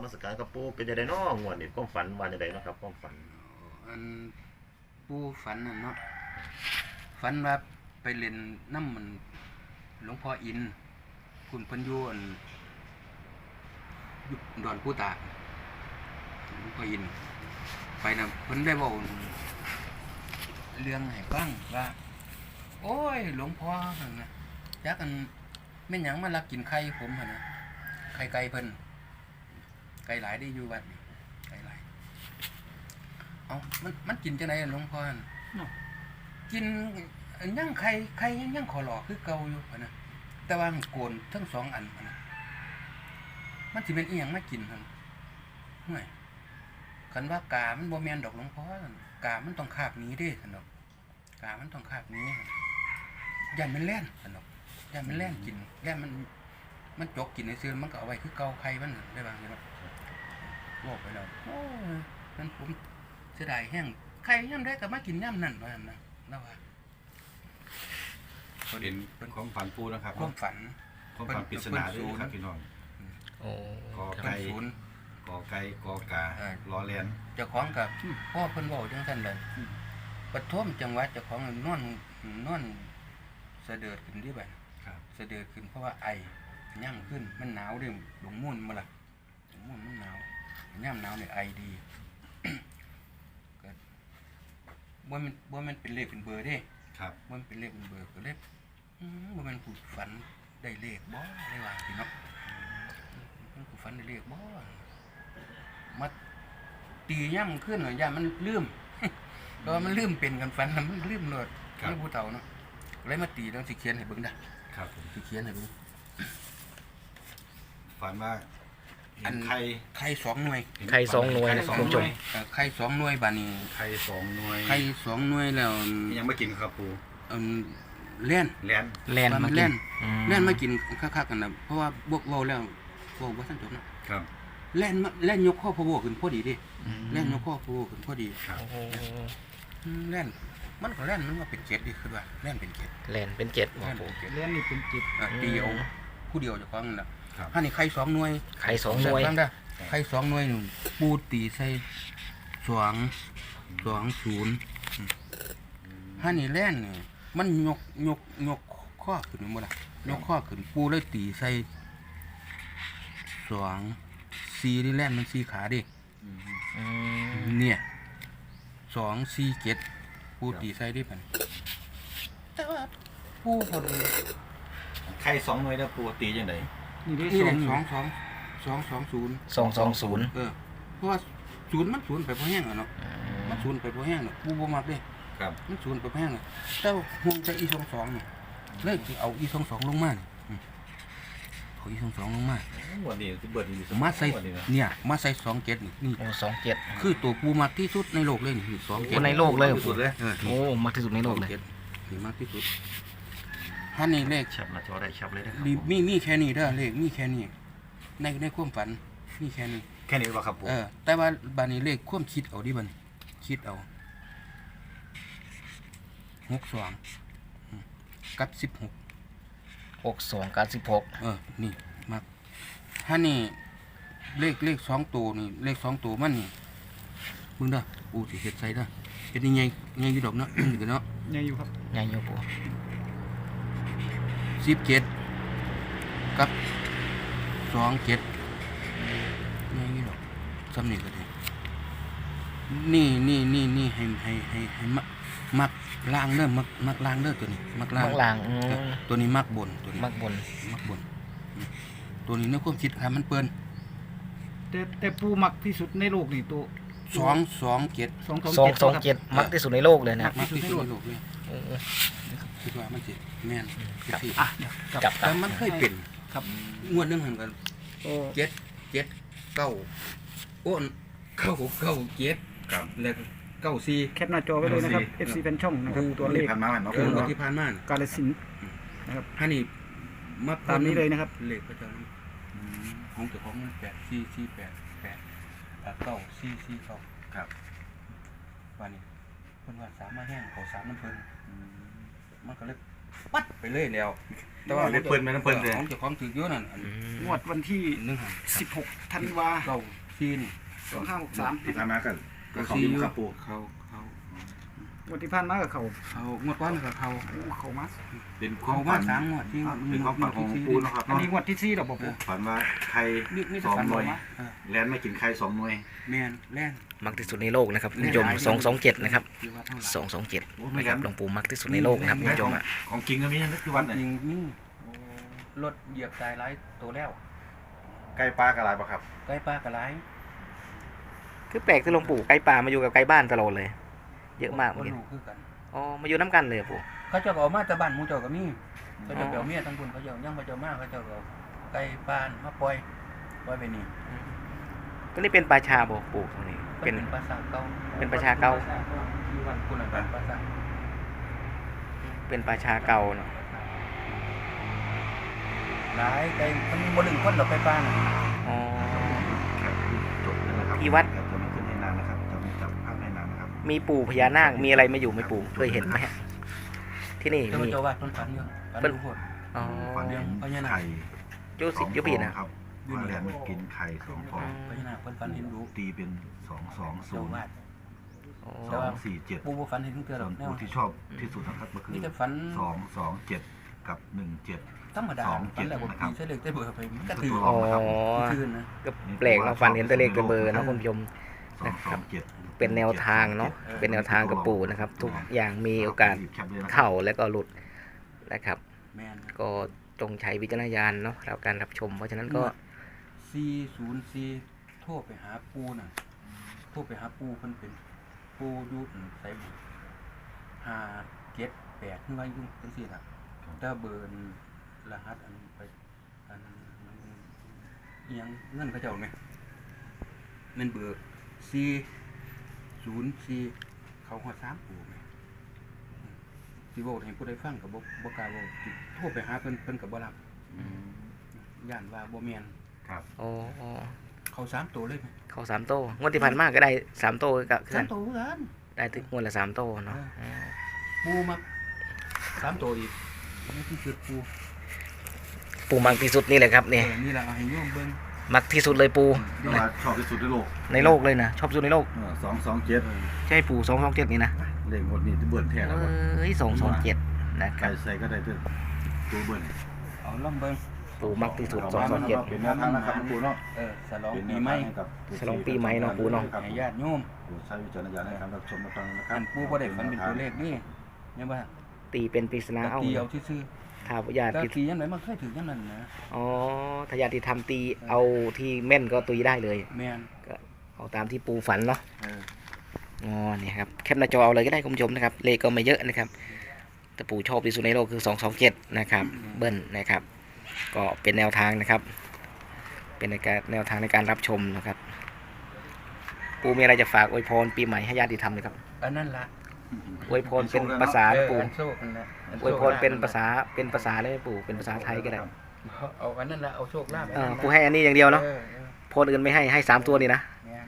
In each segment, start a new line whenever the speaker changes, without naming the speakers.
มัสการครับปู่เป็นจังได๋น้องวดนี้ความฝันว่าจังไดเนาะครับความฝัน
อันปูฝันน่ะเนาะฝันว่าไปเล่นน้ำมันหลวงพ่ออินคุณเพิ่นอยู่อันอยู่ดอนผู้ตากหลวงพ่ออินไปน่ะเพิ่นได้เว้าเรื่องให้ฟังว่าโอ้ยหลวงพ่อหั่นน่ะจักอันแม่นหยังมาลักกินไข่ผมหั่นน่ะไข่ไก่เพิ่นไก่หลายได้อยู่วัดนี่ไก่หลายเอามันกินจังได๋หลวงพ่อกินยังไข่ยังขอหลอกคือเก่าอยู่หั่นน่ะแต่ว่ามันโกนทั้ง2อันหั่นน่ะมันสิเป็นอีหยังมากินหั่นห่วยคันว่ากามันบ่แม่นดอกหลวงพ่อกามันต้องคาบหนีเด้ซั่นดอกกามันต้องคาบหนีย่านมันแล่นซั่นดอกย่านมันแล่นกินแล่นมันจกกินซื่อมันก็เอาไว้คือเก่าไข่มันได้บางทีเนาะบอกไปแล้วโอ้ยมันผมเสียดายแห้งไข่ยามใดก็มากินยามนั้นว่าซั่นนะแล้วว่า
เป็นความฝันปูนะครับ
ความฝัน
ปริศนาด้วยครับพี่น้องกอไก่กอกาล้อเลียน
เจ้าของกับพ่อเพิ่นเว้าจังซั่นเลยปฐมจังหวัดเจ้าของนอนเสด็จขึ้นที่บัดเสด็จขึ้นเพราะว่าไอย่างขึ้นมันหนาวเด้หลงมุ่นมาล่ะหลงมุ่นมันหนาวยามหนาวเนี่ยไอดีก็บ่มันเป็นเลขเป็นเบอร์เด้
ครับ
มันเป็นเลขเป็นเบอร์ก็เลขบ่มันผู้ฝันได้เลขบ่ได้ว่าพี่เนาะมันผู้ฝันได้เลขบ่มาตีย่ำขึ้นหน่อยย่ามันลืมตอนมันลืมเป็นกันฝันมันลืมโลดไม่ผู้เฒ่าเนาะเลยมาตีต้องสิเขียนให้เบิ่งได้
ครับ
สิเขียนให้เบิ่ง
ฝันว่า
อันไข่2หน่วย
ไข่2หน่วยนะคุณผู้ชม
ไข่2หน่วยบัดนี้
ไข่2หน่วย
ไข่2หน่วยแล้ว
ยังไม่กินครับปู่
แล่น
มากิน
แล่นมากินคักๆกันน่ะเพราะว่าบวกเว้าแล้วเว้าบ่ทันจบนะครับแล่นยกข้อพะโวขึ้นพอดีดิแล่นยกข้อพะโวขึ้นพอดี
ครับ
แล่นมันก็แล่นมันว่าเป็น7ดิคือว่าแล่นเป็น7
แล่นเป็น7บ่ปู่
แล่นนี่เป็น7ตีเอาผู้เดียวเจ้าของนั่นน่ะถ้านี่ไข่2หน่วย
ไข่2หน่วย
ไข่2หน่วยนี่ปูตีใส่220ถ้านี่แล่นนี่มันยกข้อขึ้นบ่ล่ะยกข้อขึ้นปูเลยตีใส่2 4นี่แล่นมัน4ขาดิเนี่ย2 4 7ปูตีใส่ได้พันแต่ว่าปูพอดี
ไข่2หน่วยแล้วปูตีจังได๋
นี่ได้220เพราะว่า0มัน0ไปพอแห้งอ่ะเนาะมัน0ไปพอแห้งเนาะปูบ่มักเด้
ครับ
มัน0ไปพอแห้งเนาะแต่ห่วงจะ22นี่เลยสิเอา22ลงมาเอา22ลงมา
วันนี้สิเบิดนี่
มาใส่เนี่ยมาใส่27นี่
โอ้27
คือตัวปูมักที่สุดในโลกเลยนี่
27ในโลกเลยสุดเลยโอ้มักที่สุดในโลกเลย
นี่มักที่สุดถ้านี่เลข
ชับหน้าจอได้ชับเลยนะครับ
มีแค่นี้เด้อเลขมีแค่นี้ในความฝันมีแค่นี้
บ่ครับปู่
แต่ว่าบัดนี้เลขความคิดเอาดิบัดนี้คิดเอา62กับ16
62กับ16
นี่มักถ้านี่เลข2ตัวนี่เลข2ตัวมันนี่มึงเด้อกูสิเฮ็ดใส่เด้อเป็นยังไงอยู่ดอกเนาะเนาะ
ใหญ่อยู่ครับ
ใหญ่อยู่ปู่
17กับ27นี่ดอกซ้ำนี่ก็ได้นี่ให้มักล่างเด้อมักล่างเด้อตัวนี้มักล่างตัวนี้มักบนตัวนี้
มักบน
ตัวนี้ในความคิดค่ะมันเปิ้น
แต่ปูมักที่สุดในโลกนี่ตัว
227มักที่สุดในโลกเลยนะ
มักที่สุดในโลกเลยคิดว่ามันสิแม่น
จับ
แต่มันเคยเป็นครับงวดนึงหั่นกัน7 9โอ้9 7ครับแล้ว94
แคปหน้าจอไว้เลยนะครับ FC แฟนช่องนะครับตัวเลขผ่านมาเนาะ
ที่ผ่านมาก
าฬสินธุ์นะครับ
ถ้านี่มา
ตามนี้เลยนะครับ
เลขประจำของเจ้าของมัน8448 9449ครับวันนี้เพิ่นว่าสามมาแห้งเขาสามน้ำเพิ่นมันก็เลยปัดไปเลยแล้วแต่ว่า
เลยเพิ่นไปน้ำเพิ่นเลย
ของเจ้าของถือเยอะนั่น
งวดวันที่
1
16 ธันวา
เก้าซีนี่
2563
ที่ผ่านมากันก็เขาอยู่ครับปู
เขา
งวดที่ผ่านมากับเขา
งวดก้อนกับเขา
เขามา
เป็นควา
เขา
ม
มา
ฝัน
3 งวดที่
เป็นความฝันของปูนะครับ
อันนี้งวดที่4ดอกบ่ปู
ฝันว่าไข่
นี่
สอง
ฝัน
หน่วย
มา
แลนไม่กินไข่2หน่วย
แม่นแล่น
มักที่สุดในโลกนะครับคุณผู้ชม227นะครับ227นะครับหลวงปู่มักที่สุดในโลกนะครับคุณผู้ชม
ของจริงก็มีนั่นคือวันไหน
จริงนี่รถเหยียบตายหลายตัวแล้ว
ไก่ปลากระไรปะครับ
ใกล้ป้ากระไร
คือแปลกที่หลวงปู่ไกลป่ามาอยู่กับไกลบ้านตลอดเลย เยอะมากเหมือนกัน
รู้คือกัน
อ๋อมาอยู่น้ำกันเลยปู่
เขาเจ้าก็เอามาแต่บ้านหมู่เจ้าก็มีเขาเจ้าเปียวเมียทั้งคนเขาเจ้ายังเขาเจ้ามาเขาเจ้าก็ไกลบ้านมาปล่อยไปนี่
ตัวนี้เป็นปลาชาบ่ปู่ตรงนี้
เป็
เป็น
นภาษาเก่า
เป็นประชาเก่า
ที่วันคุณน่ะเป็นภาษา
เป็นปลาชาเก่าเนาะ
หลายไกลมันบ่ดึงคนดอกไปบ้านน่ะ
อ๋อ
จบแล้วนะครับ
ที่วัด
จะไม่ขึ้นให้นานนะครับจะไม่จับภาพให้นานนะครับ
มีปู่พญานาคมีอะไรมาอยู่ไหมปู่เคยเห็นไหมฮะที่นี่
เจ้า
มี
เจ้าว่าต้นฝันอยู่ฝัน
เพิ่น
รู้โพด
อ๋อ
ฝันเห็นไข่
ยุสิยุพีนะ
ครับว่าแลนไม่กินไข่2ฟอง
พญานาคเพิ่นฝันเห็นรู้
ตีเป็น
เจ้า
220
วาด
อ๋อ
247
ปู่บ่ฝันเห็นเทื่อหร
ส่
อ
ว
ก
น
แนว
ผู้ที่ชอบที่สุดนะครับก็คือ
มีแต่ฝัน
227 กับ 17
ธรรมดา
สองเจ็
ฝัน
ด
แล้วบ่
นะครับ
มีเสด็จได้เบอร์ไปมันก็ถือ
อ๋อ
คืนนะ
ก็แปลกเนาะฟันเห็นตัวเลขตัวเบอร์เนาะคุณผู้ชม
227
เป็นแนวทางเนาะเป็นแนวทางกับปู่นะครับ ทุกอย่างมีโอกาสเข้าแล้วก็หลุดนะครับ
แม่น
ก็จงใช้วิจารณญาณเนาะแล้วการรับชม เพราะฉะนั้นก็
404โทรไปหาปู่น่ะโทรไปหาปู่เพิ่นเป็นปู่อยู่ไสบุ578คือว่าอยู่จังซี่ล่ะแต่เบอร์รหัสอันไปอันอิหยังเงินเขาเจ้าแม่แม่นเบอร์404เขาฮอด3ปู่แม่สิเว้าให้ผู้ใดฟังก็บ่กล้าเว้าสิโทรไปหาเพิ่นก็บ่รับย่านว่าบ่แม่น
ครับ
อ๋อ
เขา3ตัวเลยไหม
เข้า3 โต้งวดที่ผ่านมาก็ได้3 โต้ก็คือ
3ตัวเหมือนกัน
ได้ถึงงวดละ3 โต้เนาะ
ปูมา3ตัวอีกนี่คือจุดปู
ปู่มักที่สุดนี่แหละครับนี่
นี่แหละเอาให้โยมเบิ่ง
มักที่สุดเลยปู่
ที่ว่าชอบที่สุดในโลก
ในโลกเลยนะชอบสุดในโลก
227
ใช่ปู่227นี่นะ
เลขหมดนี่ที่เบิ่นแท้แล้วบ่
เอ้ย227นะค
ใคร
รับ
ใส่ก็ได้ตัวเบิ่น
เอาล่องเบิ่ง
ปู่มักที่สุด
เป็นแนวทางนะครับปู่เนาะ
ฉลองปีใหม่
ฉลองปีใหม่เนาะปู่เนาะ
ให้ญาติโยม
ปู่ใช้วิจารณญาณในการรับชมรับฟังนะครั
อั
บ
นปูบ่ได้ฝันเป็นตัวเลขนี่ยังบ่
ตีเป็นปริศนาเอา
ตีเอาซื่อ
ถ้าญา
ๆแต่
ติ
ตียังไงมันเคยถึงยังนั้นนะ
อ๋อถ้าญาติทำตีเอาที่แม่นก็ตีได้เลย
แม่น
เอาตามที่ปู่ฝันเนาะ
เออ
อ๋อเนี่ยครับแคปหน้าจอเอาเลยก็ได้คุณผู้ชมนะครับเลขก็ไม่เยอะนะครับแต่ปู่ชอบที่สุดในโลกคือ227นะครับเบิ้ลนะครับ ก็เป็นแนวทางนะครับ เป็นแนวทางในการรับชมนะครับ ปู่มีอะไรจะฝากอวยพรปีใหม่ให้ญาติธรรมเลยครับ
อันนั้นล่ะ
อวยพรเป็นภาษานะปู่
อันโชคนั่นแหละน
อวยพรเป็นภาษาเลยไหมปู่เป็นภาษาไทยก็ได้
เอาอันนั้นล่ะเอาโชคลาภ
ปู่ให้อันนี้อย่างเดียวเนาะ
ออ
พรอื่นไม่ให้3 ตัวนี่นะ
แม่น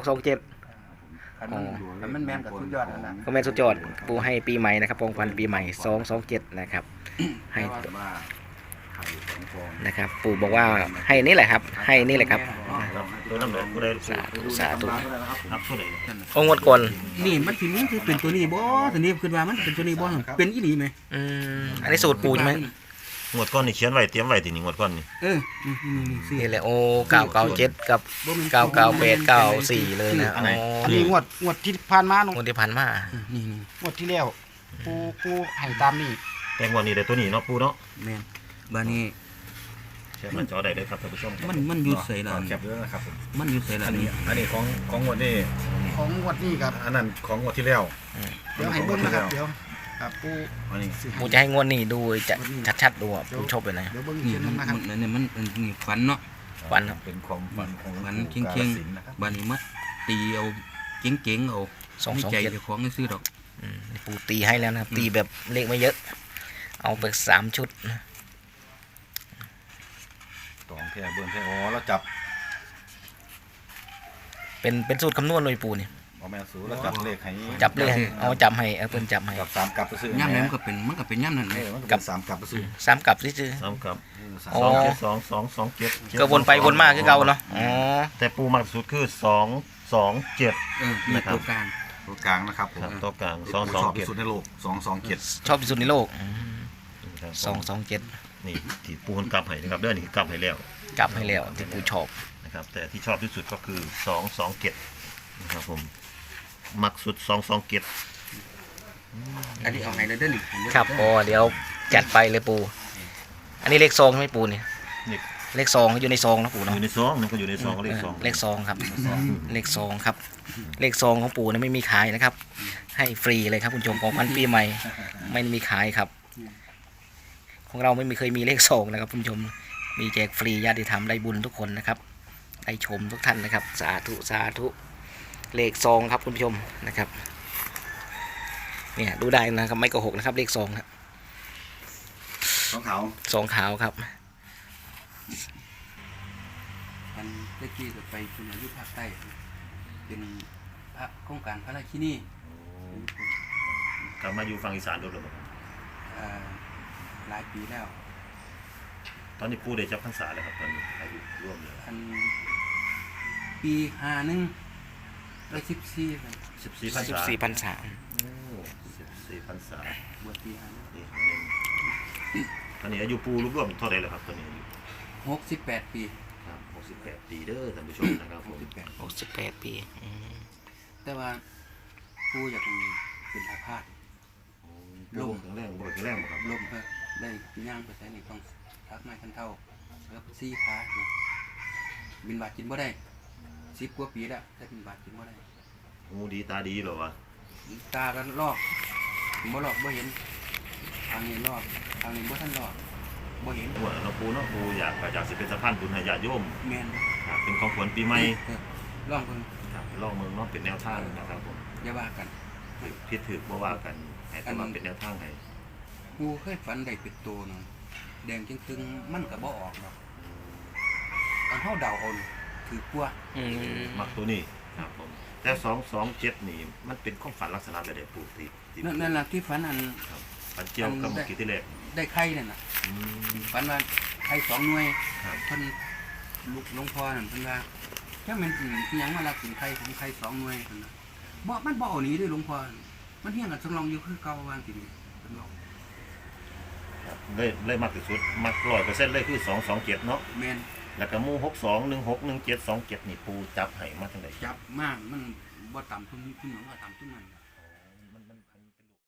227
อันมันแม่นกับสุดยอดนั่นล่ะ
ก็แม่นสุดยอดปู่ให้ปีใหม่นะครับปองพันปีใหม่227นะครับให้
ว่าไข่2ฟอง
นะครับปู่บอกว่าให้นี่แหละครับ ให้นี่แหละครับ
ตัวน้ำเหลืองกูได้
สาธุสาธุ
นับตัวไหน
องงวดก่อน
นี่มันสิมันคือเป็นตัวนี้บ่ตัวนี้ขึ้นว่ามันเป็นตัวนี้บ่เป็นอีหลีไหม
อันนี้สูตรปู่ใช่ไหม
งวดก้อนนี่เขียนไว้เตรียมไว้ทีนี้งวดก้อนนี่
นี่สิ
นี่แหละโอ้997กับ998 94เลยนะอ๋อ
อันนี้งวดที่ผ่านมาเนาะ
งวดที่ผ่านมา
นี่
งวดที่แล้วปูให้ตามนี่
แต่งวดนี้ได้ตัวนี้เนาะปูเนาะ
แม่นบัดนี้
แชร์หน้าจอได้เลยครับท่านผู้ชม
มันอยู่ไสล่ะ
แคปด้วยนะครับผม
มันอยู่ไสล่ะ
อันนี้ของงวดนี้
ของงวดนี้ครับ
อันนั้นของงวดที่แล้ว
เดี๋ยวให้เบิ่งนะครับเดี๋ยวครับปู
อันนี้
ปู่จะให้งวดนี้ดูจะชัดๆดูอ่ะปู่ชอบเลยนะ
เดี๋ยวเบิ่ง
นี่
เขียน
มัน
นะครับ
นี่มันนี่ฝันเนาะ
ฝันครับ
เป็นความฝันของ
ฝัน
ปู่
เก่ง
กาฬสินธุ์นะครับ
ๆบัดนี้มาตีเอาเก่งๆเอาให้ใจเจ้าของซื้อดอก
นี่ปู่ตีให้แล้วนะครับตีแบบเลขไม่เยอะ เอาไป3 ชุดนะ
ตองแค่เบิ่งแค่อ๋อแล้วจับ
เป็นสูตรคำนวณเลยปู่นี่
อ๋อแม่สูแล้วจับเลขให้
จับเลยเอาจับให้เพิ่นจับให้
กับสามกลับไปซื้อย่
ำนั้นมันก็เป็นย่ำนั่น
เอ
เลย
อมันก็เป็นสามกลับไปซื้อ
สามกลับซื่อ
ซ้ำกับ
สาม
โอ้
2 7 2 2 7
ก็วนไปวนมาคือเก่าเนาะอ๋อ
แต่ปูมากสุดคือ2 2 7
มีตัวกลาง
ตัวกลางนะครับผม
ครับตัวกลาง
ชอบที่สุด
2 2
ในโลก227
ชอบที่สุดในโลก
7
227
นี่ที่ปูคนกลับให้นะครับเด้อนี่คือกลับให้แล้ว
กลับให้แล้วที่ปู่ชอบ
นะครับแต่ที่ชอบที่สุดก็คือ2 2 7นะครับผมมักสุด2 2 7
อันนี้เอาให้เลยเด้อนี่
ครับอ๋อเดี๋ยวจัดไปเลยปู่อันนี้เลขซองใช่ไหมปู่เนี่ย
นี่
เลขซองอยู่ในซองนะปู่
อ
เนาะ
ยู่ในซองมันก็อยู่ในซองก็เลขซอง
เลขซองครับเลขซองครับเลขซองของปู่เนี่ยไม่มีขายนะครับ ให้ฟรีเลยครับคุณผู้ชมของขวัญปีใหม่ไม่มีขายครับ ของเราไม่เคยมีเลขซองนะครับคุณผู้ชมมีแจกฟรีญาติธรรมได้บุญทุกคนนะครับได้ชมทุกท่านนะครับสาธุสาธุเลขซองครับคุณผู้ชมนะครับเนี่ยดูได้นะครับไม่โกหกนะครับเลขซองครับ
ของเขา
ซองขาวครับ
อันเมื่อกี้ก็ไปคุณอายุภาคใต้เป็นพระโครงการพระราชินี
กลับมาอยู่ฝั่งอีสานโดนระบบ
หลายปีแล้ว
ตอนนี้ปูได้จับพรรษาแล้วครับตอนนี้อายุร่วมเลย
อันปี51ได้14ครับ
14พรรษา
14พรรษา
14พรรษา
บวชปี
นี่ตอนนี้อายุปูร่วมเท่าไหร่แล้วครับตอนนี้อายุ
68 ปี
ครับ68 ปีเด้อท่านผู้ชมนะครับผม
68 ปีอืม
แต่ว่าผู้อยากเป็นอาพาธ
ลงแข็งแรงบ่แข็งแรงบ่ครับ
ลมได้ย่างไปใส่ในต้องทักไม้คันเท่าแล้วซี่ขาเนี่ยบินบาทกินบ่ได้10 กว่าปีแล้วแต่บินบาทกินบ่ได้
หูดีตาดีเหรอวะ
ตาก็ลอกบ่ลอกบ่เห็นทางนี้ลอกทางนี้บ่ทันลอกบ่เห็น
ว่าเราปูเนาะปูอยากสิเป็นสะพานบุญให้ญาติโยม
แม่น
ครับเป็นของขวัญปีใหม่
ลองเพิ่น
ครับลองเมืองเนาะเป็นแนวทางนะครับผม
อย่าว่ากัน
ผิดถูกบ่ว่ากันให้แต่ว่าเป็นแนวทางให้
กูเคยฝันได้เป็นตัวหนึงแดงจึงๆมันก็บ่ออกดอกอันเฮาเดาเอานี่ถือกว่า
อืม
มักตัวนี้ครับผมแต่227นี่มันเป็นความฝันลักษณะแบบใดปูที่
นั่นล่ะที่ฝันอัน
ครับฝันเจียวกับเมื่อกี้ที่แรก
ได้ไข่นั่นน่ะ
อืม
ฝันว่าไข่2 หน่วย
ครับ
เพิ่นลูกหลวงพ่อนั่นเพิ่นว่าถ้ามันอีหยังมาลักกินไข่ของไข่2 หน่วยเพิ่นน่ะบ่มันบ่เอาหนีเด้อหลวงพ่อมันเฮียงกันสำรองอยู่คือเก่าวางสินี่เพิ่นบอก
เลยมักที่สุดมัก100%เลยคือ227เนาะ
แม่น
แล้วก็หมู่62 16 17 27นี่ปูจับให้มาจังได๋
จับมากมันบ่ต่ำทุนหยังว่าต่ำทุนนั้น